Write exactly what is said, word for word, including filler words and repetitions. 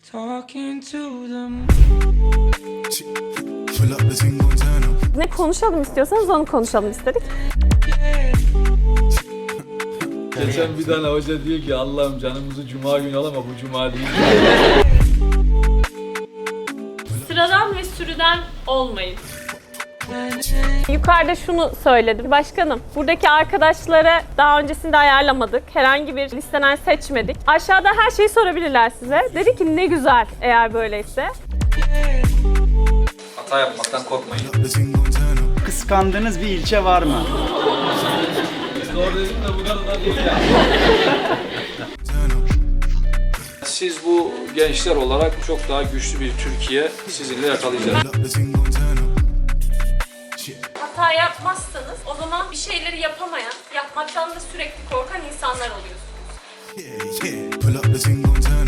Talking to them. Ne konuşalım istiyorsanız onu konuşalım istedik. Geçen bir tane hoca diyor ki Allah'ım canımızı cuma günü al ama bu cuma değil. Sıradan ve sürüden olmayın. Yukarıda şunu söyledi. Başkanım, buradaki arkadaşlara daha öncesinde ayarlamadık. Herhangi bir listeden seçmedik. Aşağıda her şeyi sorabilirler size. Dedi ki ne güzel eğer böyleyse. Hata yapmaktan korkmayın. Kıskandığınız bir ilçe var mı? Doğru dedim de bu kadar da değil ya. Siz bu gençler olarak çok daha güçlü bir Türkiye sizinle yakalayacağız. Hata yapmazsanız o zaman bir şeyleri yapamayan, yapmaktan da sürekli korkan insanlar oluyorsunuz.